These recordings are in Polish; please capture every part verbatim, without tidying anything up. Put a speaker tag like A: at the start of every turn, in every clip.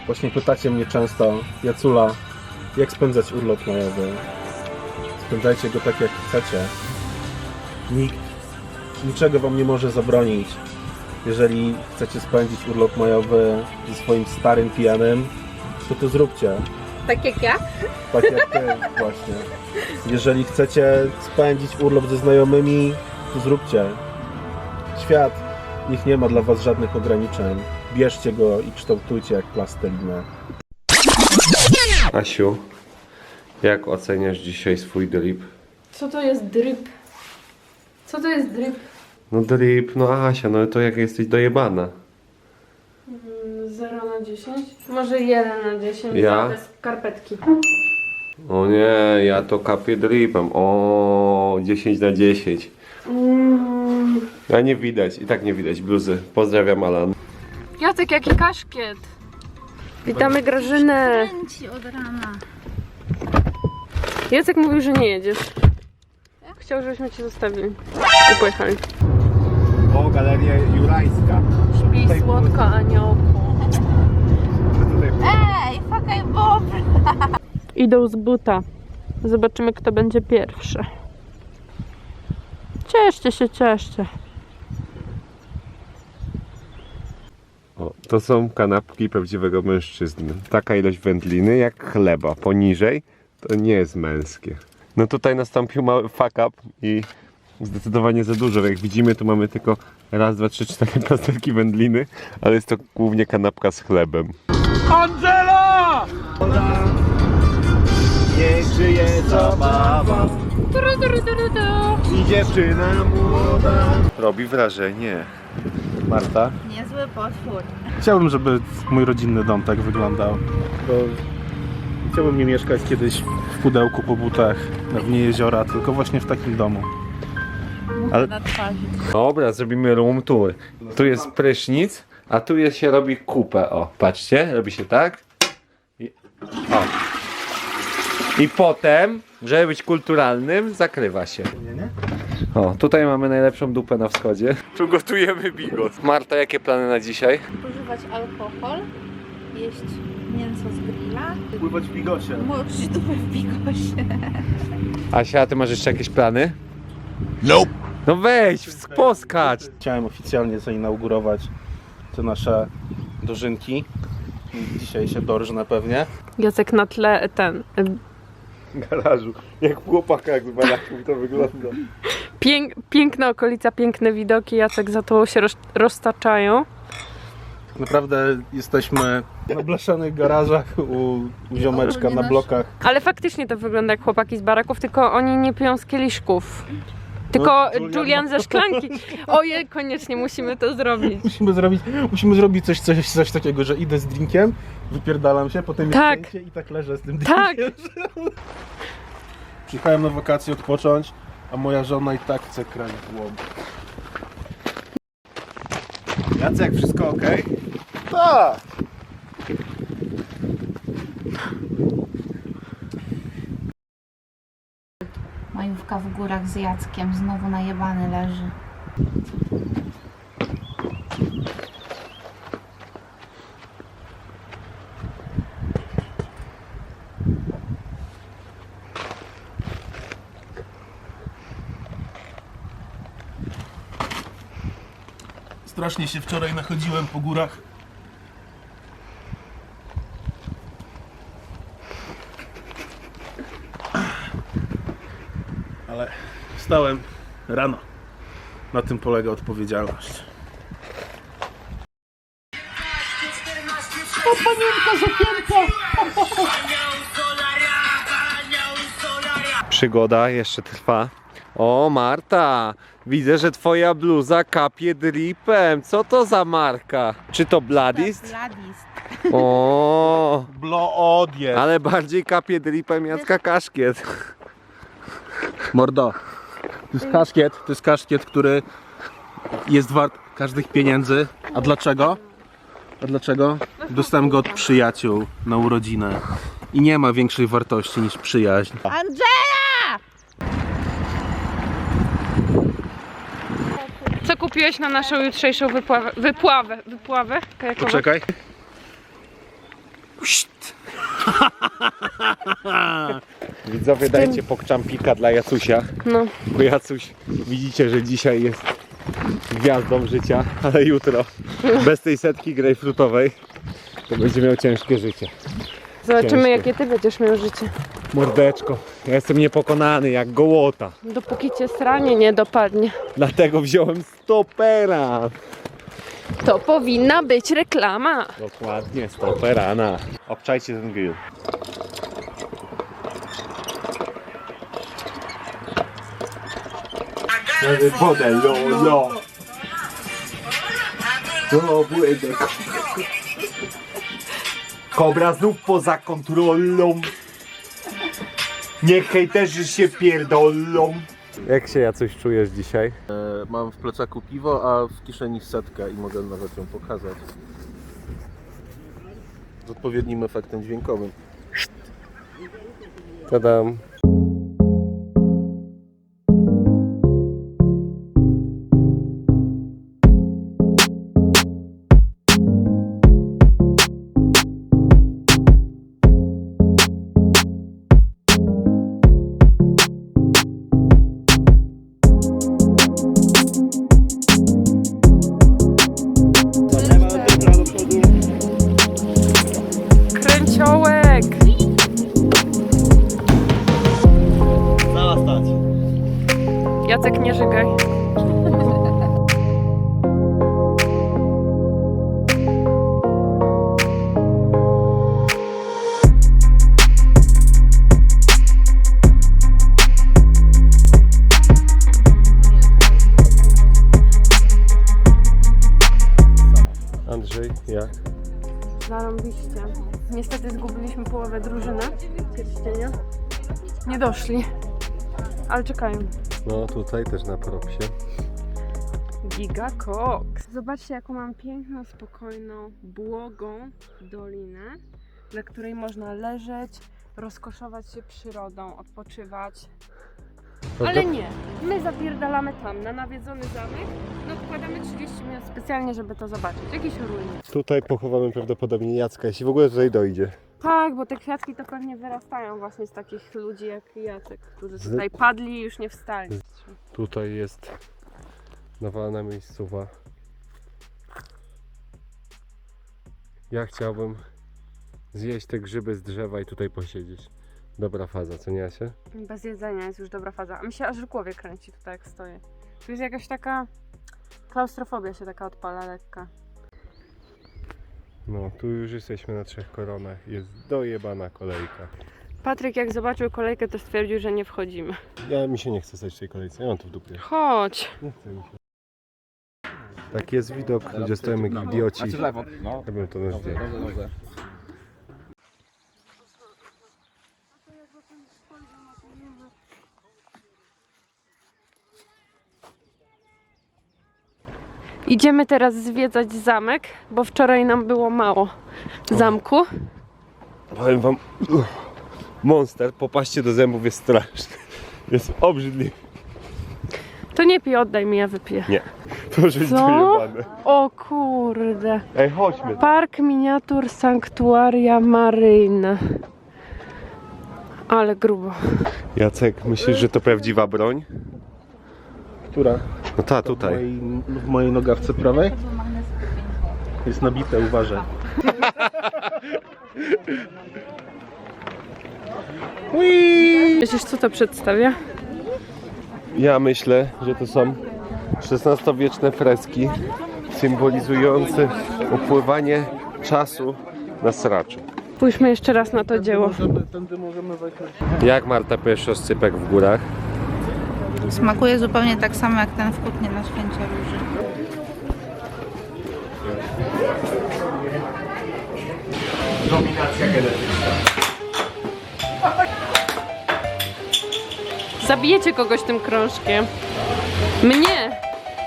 A: Właśnie pytacie mnie często, Jacula, jak spędzać urlop majowy. Spędzajcie go tak jak chcecie. Nikt niczego wam nie może zabronić. Jeżeli chcecie spędzić urlop majowy ze swoim starym pijanym, to to zróbcie.
B: Tak jak ja?
A: Tak jak ty właśnie. Jeżeli chcecie spędzić urlop ze znajomymi, to zróbcie. Świat, niech nie ma dla was żadnych ograniczeń. Bierzcie go i kształtujcie jak plastelinę.
C: Asiu, jak oceniasz dzisiaj swój drip?
B: Co to jest drip? Co to jest drip?
C: No drip, no Asia, no to jak jesteś dojebana.
B: zero na dziesięć? Może jeden na dziesięć.
C: Ja?
B: Bez skarpetki.
C: O nie, ja to kapię dripem. O, dziesięć na dziesięć.
B: Mm.
C: A nie widać, i tak nie widać bluzy. Pozdrawiam, Alan.
B: Jacek, jaki kaszkiet. Witamy Grażynę.
D: Kręci od rana.
B: Jacek mówił, że nie jedziesz. Chciał, żebyśmy cię zostawili. I pojechali.
A: O, Galeria Jurajska.
B: Śpi słodko, aniołku.
D: Ej, fakaj bob!
B: Idą z buta. Zobaczymy, kto będzie pierwszy. Cieszcie się, cieszcie.
C: O, to są kanapki prawdziwego mężczyzny. Taka ilość wędliny jak chleba. Poniżej to nie jest męskie. No tutaj nastąpił mały fuck up i zdecydowanie za dużo. Jak widzimy, tu mamy tylko raz, dwa, trzy, cztery plasterki wędliny, ale jest to głównie kanapka z chlebem.
A: Angela! Niech żyje zabawa i dziewczyna młoda.
C: Robi wrażenie.
A: Marta?
D: Niezły potwór.
A: Chciałbym, żeby mój rodzinny dom tak wyglądał. Bo chciałbym nie mieszkać kiedyś w pudełku po butach na dnie jeziora, tylko właśnie w takim domu.
C: Ale-
D: Na twarzy.
C: Dobra, zrobimy room tour. Tu jest prysznic, a tu jest, się robi kupę. O, patrzcie, robi się tak. I, o. I potem, żeby być kulturalnym, zakrywa się. O, tutaj mamy najlepszą dupę na wschodzie. Tu gotujemy bigos. Marta, jakie plany na dzisiaj?
D: Używać alkohol, jeść mięso z grilla,
A: Pływać w bigosie.
D: moczyć dupę w bigosie.
C: Asia, ty masz jeszcze jakieś plany? Nope. No weź, poskacz.
A: Chciałem oficjalnie zainaugurować te nasze dożynki. Dzisiaj się dorżnę pewnie.
B: Jacek na tle ten.
C: Garażu, jak w chłopakach z baraków to wygląda.
B: Pięk, piękna okolica, piękne widoki. Jacek za to się roz, roztaczają.
A: Tak naprawdę jesteśmy na blaszanych garażach u, u ziomeczka na blokach.
B: Ale faktycznie to wygląda jak chłopaki z baraków, tylko oni nie piją z kieliszków. Tylko
A: No, Julian-
B: Julian ze szklanki. Ojej, koniecznie musimy to zrobić.
A: Musimy zrobić, musimy zrobić coś, coś, coś takiego, że idę z drinkiem, wypierdalam się, potem
B: Tak.
A: jest zdjęcie i tak leżę z tym
B: Tak.
A: drinkiem. Przyjechałem na wakacje odpocząć, a moja żona i tak chce kraść w łom. Jacek, wszystko ok? Tak!
D: Majówka w górach z Jackiem, znowu najebany leży.
A: Strasznie się wczoraj nachodziłem po górach. Ale wstałem rano. Na tym polega odpowiedzialność. O, panienka zapięta!
C: Przygoda jeszcze trwa. O, Marta, widzę, że twoja bluza kapie dripem. Co to za marka? Czy to Bladist?
D: Bladist.
C: O,
A: Blood jest.
C: ale bardziej kapie dripem Jacka Kaszkiet.
A: Mordo, to jest kaszkiet, to jest kaszkiet, który jest wart każdych pieniędzy. A dlaczego? A dlaczego? Dostałem go od przyjaciół na urodzinę. I nie ma większej wartości niż przyjaźń.
D: Andrzeja!
B: Co kupiłeś na naszą jutrzejszą wypławę? Wypławę, wypławę kajakową?
A: Poczekaj.
C: Widzowie, dajcie pokczampika dla Jacusia.
B: No.
C: Bo Jacuś, widzicie, że dzisiaj jest gwiazdą życia, ale jutro bez tej setki grejpfrutowej to będzie miał ciężkie życie.
B: Zobaczymy,
C: Ciężkie.
B: jakie ty będziesz miał życie.
C: Mordeczko, ja jestem niepokonany jak gołota.
B: Dopóki cię sranie nie dopadnie.
C: Dlatego wziąłem stopera.
B: To powinna być reklama.
C: Dokładnie, stoperana. Obczajcie ten grill. Wodę, lo, lo. To błędek. Kobra znów poza kontrolą. Niech hejterzy się pierdolą. Jak się ja coś czujesz dzisiaj?
A: E, mam w plecaku piwo, a w kieszeni setkę i mogę nawet ją pokazać. Z odpowiednim efektem dźwiękowym.
C: Tadam.
B: Kręciołek.
E: Cała stać.
B: Jacek, nie żygaj.
C: Andrzej, jak?
B: Zarąbiście. Niestety zgubiliśmy połowę drużyny pierścienia. Nie doszli. Ale czekają.
C: No tutaj też na propsie.
B: Giga Cox. Zobaczcie, jaką mam piękną, spokojną, błogą dolinę, na której można leżeć, rozkoszować się przyrodą, odpoczywać. Ale nie, my zapierdalamy tam, na nawiedzony zamek. No odkładamy trzydzieści minut specjalnie, żeby to zobaczyć. Jakieś ruiny.
C: Tutaj pochowamy prawdopodobnie Jacka, jeśli w ogóle tutaj dojdzie.
B: Tak, bo te kwiatki to pewnie wyrastają właśnie z takich ludzi jak Jacek, którzy
C: Z-
B: tutaj padli i już nie wstali.
C: Tutaj jest nawalna miejscowa. Ja chciałbym zjeść te grzyby z drzewa i tutaj posiedzieć. Dobra faza, co nie Asia?
B: Bez jedzenia jest już dobra faza. A mi się aż w głowie kręci tutaj jak stoję. Tu jest jakaś taka klaustrofobia się taka odpala lekka.
C: No, tu już jesteśmy na Trzech Koronach. Jest dojebana kolejka.
B: Patryk jak zobaczył kolejkę, to stwierdził, że nie wchodzimy.
C: Ja mi się nie chce stać w tej kolejce, ja mam to w dupie.
B: Chodź!
C: Nie chce mi się. Tak jest widok, gdzie stoimy jak idioci.
E: No.
C: Ja bym to na zdjęcie.
B: Idziemy teraz zwiedzać zamek, bo wczoraj nam było mało zamku.
C: Powiem wam, uff, monster, popaście do zębów jest straszny. Jest obrzydliwy.
B: To nie pij, oddaj mi, ja wypiję.
C: Nie, proszę być
B: Co?
C: dojebane.
B: O kurde.
C: Ej, chodźmy.
B: Park miniatur Sanktuaria Maryjna. Ale grubo.
C: Jacek, myślisz, że to prawdziwa broń?
A: Która?
C: No ta,
A: W
C: tutaj.
A: mojej, w mojej nogawce prawej? Jest nabite, uważaj.
B: Myślisz, co to przedstawia?
C: Ja myślę, że to są szesnastowieczne freski symbolizujące upływanie czasu na sraczu.
B: Spójrzmy jeszcze raz na to dzieło.
A: Możemy, tędy możemy wejść.
C: Jak Marta pierwszy oscypek w górach?
D: Smakuje zupełnie tak samo jak ten w Kutnie na Święcie Róży.
C: Dominacja genetyczna.
B: Zabijecie kogoś tym krążkiem. Mnie!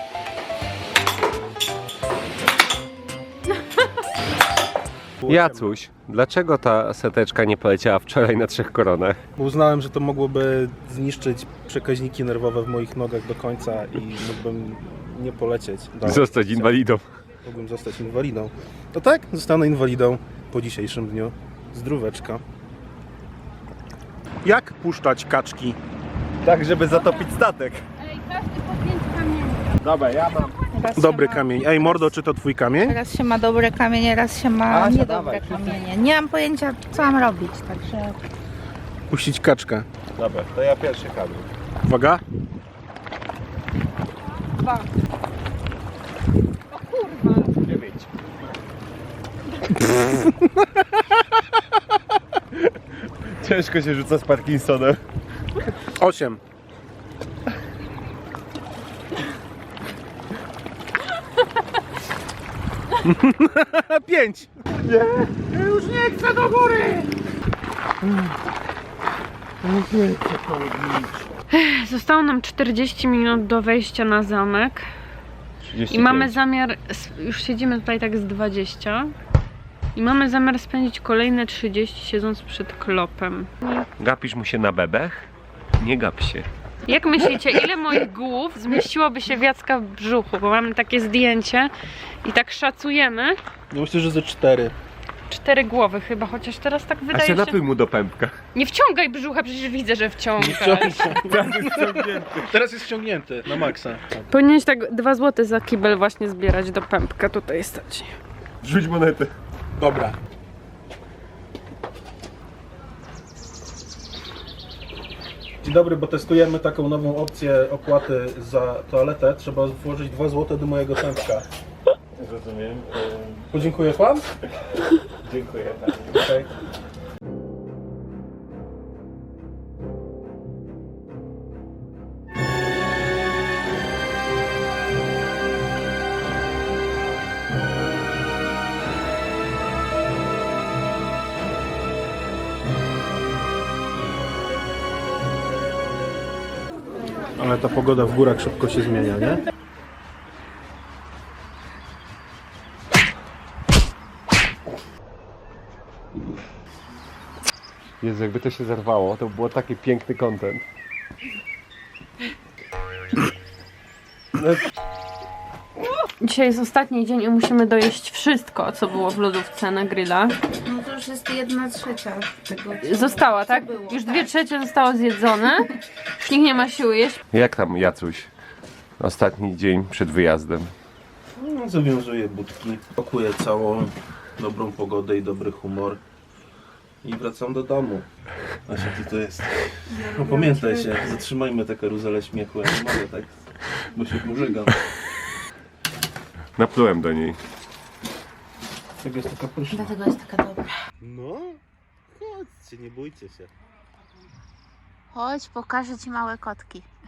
C: Jacuś, dlaczego ta seteczka nie poleciała wczoraj na Trzech Koronach?
A: Uznałem, że to mogłoby zniszczyć przekaźniki nerwowe w moich nogach do końca i mógłbym nie polecieć. dalej.
C: Zostać inwalidą.
A: Mógłbym zostać inwalidą. To tak, zostanę inwalidą po dzisiejszym dniu. Zdróweczka. Jak puszczać kaczki?
E: Tak, żeby zatopić statek.
B: Ej, każdy po pięć kamieni.
E: Dobra, ja mam.
D: Raz
A: Dobry
D: się ma,
A: kamień. Ej, mordo, czy to twój kamień?
D: raz się ma dobre kamienie, raz się ma
E: Asia,
D: niedobre
E: dawaj,
D: kamienie. Nie mam pojęcia, co mam robić, także...
A: Puścić kaczkę.
E: Dobra, to ja pierwszy kamień.
A: Uwaga.
B: Dwa. O kurwa.
E: Dziewięć. Ciężko się rzuca z Parkinsonem.
A: Osiem. Pięć.
B: Zostało nam czterdzieści minut do wejścia na zamek. I mamy zamiar, już siedzimy tutaj tak z dwadzieścia i mamy zamiar spędzić kolejne trzydzieści siedząc przed klopem.
C: Gapisz mu się na bebech? Nie gap się.
B: Jak myślicie, ile moich głów zmieściłoby się w Jacka w brzuchu? Bo mamy takie zdjęcie i tak szacujemy.
A: No myślę, że ze cztery.
B: Cztery głowy chyba, chociaż teraz tak
C: A
B: wydaje
C: się
B: się...
C: napój mu do pępka.
B: Nie wciągaj brzucha, przecież widzę, że wciągasz.
A: Teraz jest ściągnięty na maksa.
B: Powinieneś tak dwa złote za kibel właśnie zbierać do pępka, tutaj stać.
C: Rzuć monetę.
A: Dobra. Dzień dobry, bo testujemy taką nową opcję opłaty za toaletę. Trzeba włożyć dwa złote do mojego pępka.
E: Rozumiem.
A: Podziękuję pan?
E: Dziękuję.
A: Okej. Ale ta pogoda w górach szybko się zmienia, nie?
C: Jezu, jakby to się zerwało, to było taki piękny content.
B: Dzisiaj jest ostatni dzień i musimy dojeść wszystko, co było w lodówce na grilla.
D: No to już jest jedna trzecia tego.
B: Została, tak?
D: było,
B: Już
D: tak.
B: dwie trzecie zostało zjedzone. Już nikt nie ma siły jeść.
C: Jak tam, Jacuś? Ostatni dzień przed wyjazdem.
A: No, zawiązuję budki, pakuję całą dobrą pogodę i dobry humor i wracam do domu. Asia, ty to jest. No pamiętaj się, zatrzymajmy tę karuzelę śmiechu, ja nie mogę tak, bo się pożygam.
C: Naplułem do niej.
A: Tego jest taka pyszna.
D: Dlatego jest taka dobra.
A: No, chodźcie, nie bójcie się.
D: Chodź, pokażę ci małe kotki.